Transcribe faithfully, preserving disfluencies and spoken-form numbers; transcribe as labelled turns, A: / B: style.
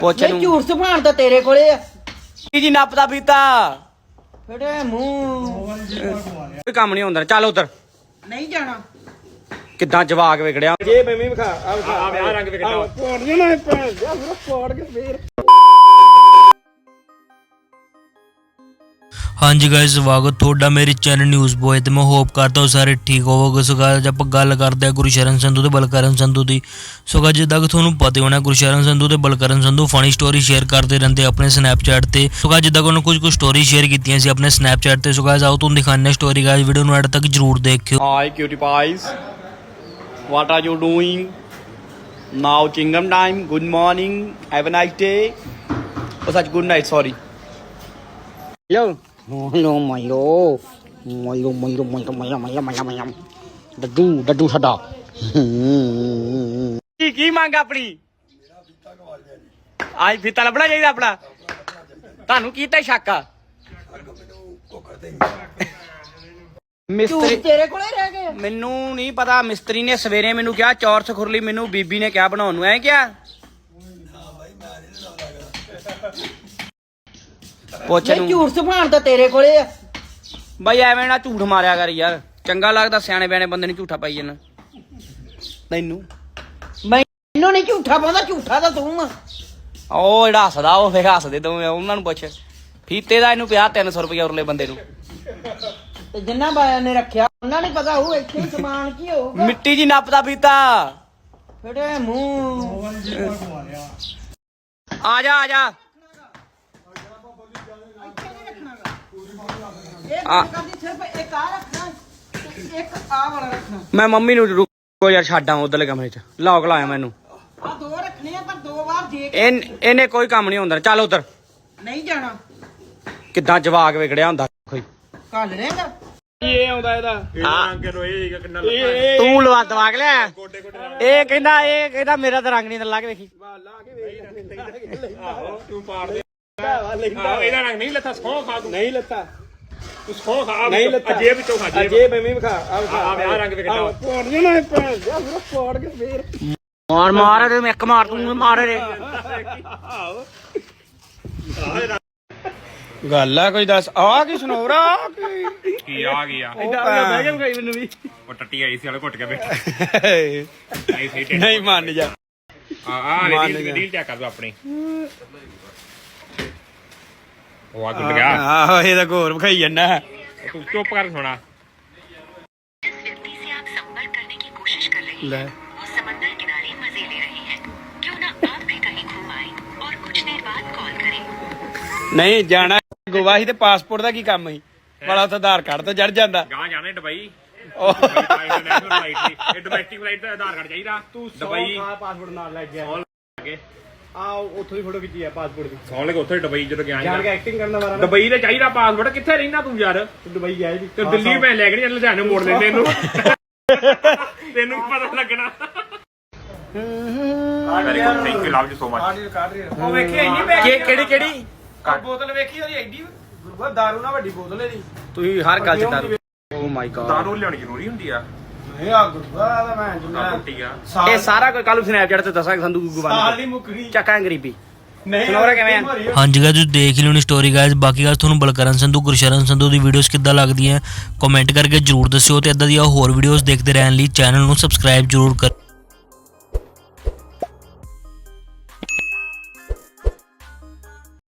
A: ਪੁੱਛ
B: ਇਹ
A: ਨੂੰ
B: ਝੂਠ ਸੁਭਾਣ ਤਾਂ ਤੇਰੇ ਕੋਲੇ ਆ
A: ਜੀ ਨੱਪਦਾ ਪੀਤਾ
B: ਫੜੇ ਮੂੰਹ
A: ਕੋਈ ਕੰਮ ਨਹੀਂ ਹੁੰਦਾ ਚੱਲ ਉਧਰ
B: ਨਹੀਂ ਜਾਣਾ
A: ਕਿੱਦਾਂ ਜਵਾਕ ਵਿਗੜਿਆ ਜੇ ਮੈਂ ਵੀ ਵਿਖਾ ਆ ਵਿਖਾ
C: ਆ ਰੰਗ ਵਿਖਾ
A: ਪੋੜ ਜਣਾ ਭੈਣ ਜਾ ਮੇਰਾ ਪੋੜ ਕੇ ਫੇਰ
D: हाँ जी गाइस स्वागत ਤੁਹਾਡਾ ਮੇਰੇ ਚੈਨਲ ਨਿਊਜ਼ ਬੋਏ ਤੇ ਮੈਂ ਹੋਪ ਕਰਦਾ ਹਾਂ ਸਾਰੇ ਠੀਕ ਹੋਵੋਗੇ। ਸੋ ਗਾਇਸ ਆਪਾਂ ਗੱਲ ਕਰਦੇ ਹਾਂ ਗੁਰਸ਼ਰਨ ਸੰਧੂ ਤੇ ਬਲਕਰਨ ਸੰਧੂ ਦੀ। ਸੋ ਗਾਇਸ ਜਿੱਦਾਂ ਕਿ ਤੁਹਾਨੂੰ ਪਤਾ ਹੋਣਾ ਗੁਰਸ਼ਰਨ ਸੰਧੂ ਤੇ Balkaran Sandhu funny story share ਕਰਦੇ ਰਹਿੰਦੇ ਆਪਣੇ ਸਨੈਪਚੈਟ ਤੇ। ਸੋ ਗਾਇਸ ਜਿੱਦਾਂ ਕਿ ਉਹਨਾਂ ਕੁਝ ਕੁ ਸਟੋਰੀ ਸ਼ੇਅਰ ਕੀਤੀਆਂ ਸੀ ਆਪਣੇ ਸਨੈਪਚੈਟ ਤੇ। ਸੋ ਗਾਇਸ ਆਓ ਤੁਹਾਨੂੰ ਦਿਖਾਉਂਦੇ ਹਾਂ ਸਟੋਰੀ। ਗਾਇਸ ਵੀਡੀਓ ਨੂੰ ਐਡ ਤੱਕ ਜਰੂਰ ਦੇਖਿਓ।
A: Hi cutie pie what are you doing now chewing gum time good morning have a nice day ਉਹ ਸੱਚ ਗੁੱਡ ਨਾਈਟ ਸੌਰੀ ਯੋ
B: ਮੋਲੋ ਮੋਲੋ ਮੋਲੋ ਮੋਲੋ ਮੋਲੋ ਮੋਲੋ ਮੋਲੋ ਮੋਲੋ ਮੋਲੋ ਡੱਡੂ ਡੱਡੂ ਛੱਡਾ
A: ਕੀ ਕੀ ਮੰਗ ਆਪਣੀ ਆਜ ਫੀਤਾ ਲੱਭਣਾ ਚਾਹੀਦਾ ਆਪਣਾ ਤੁਹਾਨੂੰ ਕੀਤਾ ਸ਼ੱਕ ਆ ਮਿਸਤਰੀ
B: ਤੇਰੇ ਕੋਲੇ ਰਹਿ ਗਏ
A: ਮੈਨੂੰ ਨਹੀਂ ਪਤਾ ਮਿਸਤਰੀ ਨੇ ਸਵੇਰੇ ਮੈਨੂੰ ਕਿਹਾ ਚੌਰਸ ਖੁਰਲੀ ਮੈਨੂੰ ਬੀਬੀ ਨੇ ਕਿਹਾ ਬਣਾਉਣ ਨੂੰ ਐ ਕਿਹਾ ਪੁੱਛ
B: ਇਹ
A: ਨੂੰ
B: ਝੂਠ ਸੁਭਾਣ ਤਾਂ ਤੇਰੇ ਕੋਲੇ ਆ
A: ਬਾਈ ਐਵੇਂ ਨਾ ਝੂਠ ਮਾਰਿਆ ਕਰ ਯਾਰ ਚੰਗਾ ਲੱਗਦਾ ਸਿਆਣੇ ਬਿਆਣੇ ਬੰਦੇ ਨੂੰ ਝੂਠਾ ਪਾਈ ਜਾਣਾ ਤੈਨੂੰ
B: ਮੈਨੂੰ ਨਹੀਂ ਝੂਠਾ ਪਾਉਂਦਾ ਝੂਠਾ ਤਾਂ ਤੂੰ ਆ
A: ਉਹ ਜਿਹੜਾ ਹੱਸਦਾ ਉਹ ਫੇਰ ਹੱਸਦੇ ਦੋਵੇਂ ਉਹਨਾਂ ਨੂੰ ਪੁੱਛ ਫੀਤੇ ਦਾ ਇਹਨੂੰ ਪਿਆ ਤਿੰਨ ਸੌ ਰੁਪਇਆ ਉਰਲੇ ਬੰਦੇ ਨੂੰ
B: ਤੇ ਜਿੰਨਾ ਬਾਇਆਂ ਨੇ ਰੱਖਿਆ ਉਹਨਾਂ ਨੇ ਪਤਾ ਹੋਊ ਇੱਥੇ ਹੀ ਸਮਾਨ ਕੀ ਹੋਊਗਾ
A: ਮਿੱਟੀ ਜੀ ਨੱਪਦਾ ਪੀਤਾ
B: ਫੜੇ ਮੂੰਹ
A: ਆ ਜਾ ਆ ਜਾ
B: ਇਹ ਕਰਦੀ ਸਿਰਫ ਇੱਕ ਆ ਰੱਖਣਾ ਇੱਕ ਆ ਵਾਲਾ ਰੱਖਣਾ
A: ਮੈਂ ਮੰਮੀ ਨੂੰ ਰੁਕੋ ਯਾਰ ਛੱਡਾਂ ਉਧਰਲੇ ਕਮਰੇ 'ਚ ਲੌਕ ਲਾਇਆ ਮੈਨੂੰ
B: ਆ ਦੋ ਰੱਖਣੇ ਆ ਪਰ ਦੋ ਵਾਰ ਦੇ ਕੇ
A: ਇਹ ਇਹਨੇ ਕੋਈ ਕੰਮ ਨਹੀਂ ਹੁੰਦਾ ਚੱਲ ਉਧਰ
B: ਨਹੀਂ ਜਾਣਾ
A: ਕਿੱਦਾਂ ਜਵਾਕ ਵਿਗੜਿਆ ਹੁੰਦਾ ਕੋਈ
B: ਕੱਲ ਰਹੇਗਾ
A: ਇਹ ਆਉਂਦਾ ਇਹਦਾ
C: ਇਹ ਰੰਗ ਨੂੰ ਇਹ ਕਿੰਨਾ
A: ਤੂੰ ਲਵਾ ਦਵਾ ਕੇ ਲਿਆ ਇਹ ਕਹਿੰਦਾ ਇਹ ਕਹਿੰਦਾ ਮੇਰਾ ਤਾਂ ਰੰਗ ਨਹੀਂ ਲਾ ਕੇ ਵੇਖੀ
C: ਆਹੋ ਤੂੰ ਪਾੜ ਦੇ ਆਹੋ ਇਹਦਾ ਰੰਗ ਨਹੀਂ ਲੱਥਾ ਸੌ ਖਾ ਤੂੰ
A: ਨਹੀਂ ਲੱਤਾ
C: ਤੂੰ ਸੌ ਖਾ ਨਹੀਂ ਲੱਥਾ ਜੇਬ ਵਿੱਚੋਂ ਖਾ ਜੇਬ
A: ਜੇ ਮੈਂ ਵੀ ਵਿਖਾ ਆ ਵਿਖਾ
C: ਆ ਰੰਗ ਵਿਖਾ
A: ਪੋੜ ਜਣਾ ਭੈਣ ਜਾ ਮੇਰਾ ਪੋੜ ਕੇ ਫੇਰ ਮਾਰ ਮਾਰ ਤੇ ਮੈਂ ਇੱਕ ਮਾਰ ਤੂੰ ਮਾਰ ਰੇ ਗੱਲ ਆ ਕੋਈ ਦੱਸ ਆ ਕੀ ਸੁਣੋਰਾ
C: ਕੀ ਆ ਗਿਆ
A: ਬਹਿ ਗਿਆ ਗਈ ਮੈਨੂੰ ਵੀ
C: ਉਹ ਟੱਟੀ ਆਈ ਸੀ ਵਾਲੇ ਘੁੱਟ ਕੇ ਬੈਠਾ ਨਹੀਂ ਸਹੀ
A: ਨਹੀਂ ਮੰਨ ਜਾ
C: ਆ ਆ ਰੀਲ ਰੀਲ ਚੈੱਕ ਕਰ ਦੋ ਆਪਣੀ ਉਹ ਆ ਗੁੱਟ ਗਿਆ
A: ਆਹੋ ਇਹ ਤਾਂ ਘੋਰ ਵਿਖਾਈ ਜਾਂਦਾ
C: ਤੂੰ ਚੁੱਪ ਕਰ ਸੁਣਾ
E: जिस व्यक्ति से आप संपर्क करने की कोशिश कर रहे
A: ले।
E: हैं वो समंदर किनारे मजे ले रहे हैं क्यों ना आप भी कहीं घूम आए और कुछ देर बाद कॉल करें।
A: ਨਹੀਂ ਜਾਣਾ ਗੋਆ ਸੀ ਤੇ ਪਾਸਪੋਰਟ ਦਾ ਕੀ ਕੰਮ ਸੀ ਵਾਲਾ ਉੱਥੇ ਆਧਾਰ ਕਾਰਡ ਤੋਂ ਚੜ ਜਾਂਦਾ
C: ਗਾਂ ਜਾਣਾ ਦੁਬਈ
A: ਉਹ
C: ਇੰਟਰਨੈਸ਼ਨਲ ਫਲਾਈਟ ਦੀ ਇਹ ਡੋਮੈਸਟਿਕ ਫਲਾਈਟ ਦਾ ਆਧਾਰ ਕਾਰਡ ਚਾਹੀਦਾ
A: ਤੂੰ
C: ਦੁਬਈ
A: ਪਾਸਪੋਰਟ ਨਾਲ ਲੈ ਗਿਆ
C: ਸੌਣ ਲੱਗੇ
A: ਆ ਉੱਥੋਂ ਦੀ ਫੋਟੋ ਖਿੱਚੀ ਆ ਪਾਸਪੋਰਟ ਦੀ
C: ਸੌਣ ਲੱਗੇ ਉੱਥੇ ਦੁਬਈ ਜਦੋਂ ਗਿਆ
A: ਜਾਣ ਕੇ
C: ਸੀ
A: ਐਕਟਿੰਗ ਕਰਨ ਦਾ ਵਾਰਾ
C: ਦੁਬਈ ਦਾ ਚਾਹੀਦਾ ਪਾਸਪੋਰਟ ਕਿੱਥੇ ਰਹਿਣਾ ਤੂੰ ਯਾਰ
A: ਦੁਬਈ ਗਿਆ ਜੀ
C: ਤੇ ਦਿੱਲੀ ਮੈਂ ਲੈ ਕੇ ਨਹੀਂ ਲੁਧਿਆਣੇ ਮੋੜ ਲੈਂਦੇ ਇਹਨੂੰ ਤੈਨੂੰ ਕੀ ਪਤਾ ਲੱਗਣਾ very good thank you love you so much
A: ਉਹ ਵੇਖੀ ਇੰਨੀ ਬੈਗ ਕਿਹੜੀ ਕਿਹੜੀ ਬੋਤਲ ਵੇਖੀ ਉਹਦੀ ਐਡੀ ਗੁਰੂਆ ਦਾਰੂ ਨਾਲ ਵੱਡੀ ਬੋਤਲ ਇਹਦੀ ਤੁਸੀਂ ਹਰ ਗੱਲ ਚ ਦਾਰੂ ਓ ਮਾਈ ਗॉड
C: ਦਾਰੂ ਲਿਆਉਣੀ ਜ਼ਰੂਰੀ ਹੁੰਦੀ ਆ
A: ਇਹ ਆ ਗੁਰੂਆ ਦਾ ਮੈਂ
C: ਆ
A: ਜੁਨਾ
C: ਰੋਟੀ ਆ
A: ਇਹ ਸਾਰਾ ਕੋਈ ਕੱਲ ਸਨੈਪਚੈਟ ਤੇ ਦੱਸਾਂਗੇ ਸੰਦੂ ਗੁਗਵਾਨ
B: ਸਾਲ ਦੀ ਮੁੱਕਣੀ
A: ਚੱਕਾਂ ਗਰੀਬੀ
B: ਨਹੀਂ
A: ਸੁਣਾਉਰਾ ਕਿਵੇਂ ਆ
D: ਹਾਂਜੀ ਗਾਇਸ ਤੁਸੀਂ ਦੇਖ ਹੀ ਲਿਓਣੀ ਸਟੋਰੀ ਗਾਇਸ। ਬਾਕੀ ਗੱਲ ਤੁਹਾਨੂੰ ਬਲਕਰਨ ਸੰਧੂ ਗੁਰਸ਼ਰਨ ਸੰਧੂ ਦੀ ਵੀਡੀਓਜ਼ ਕਿੱਦਾਂ ਲੱਗਦੀਆਂ ਕਮੈਂਟ ਕਰਕੇ ਜਰੂਰ ਦੱਸਿਓ ਤੇ ਇਦਾਂ ਦੀਆਂ ਹੋਰ ਵੀਡੀਓਜ਼ ਦੇਖਦੇ ਰਹਿਣ ਲਈ ਚੈਨਲ ਨੂੰ ਸਬਸਕ੍ਰਾਈਬ ਜਰੂਰ ਕਰ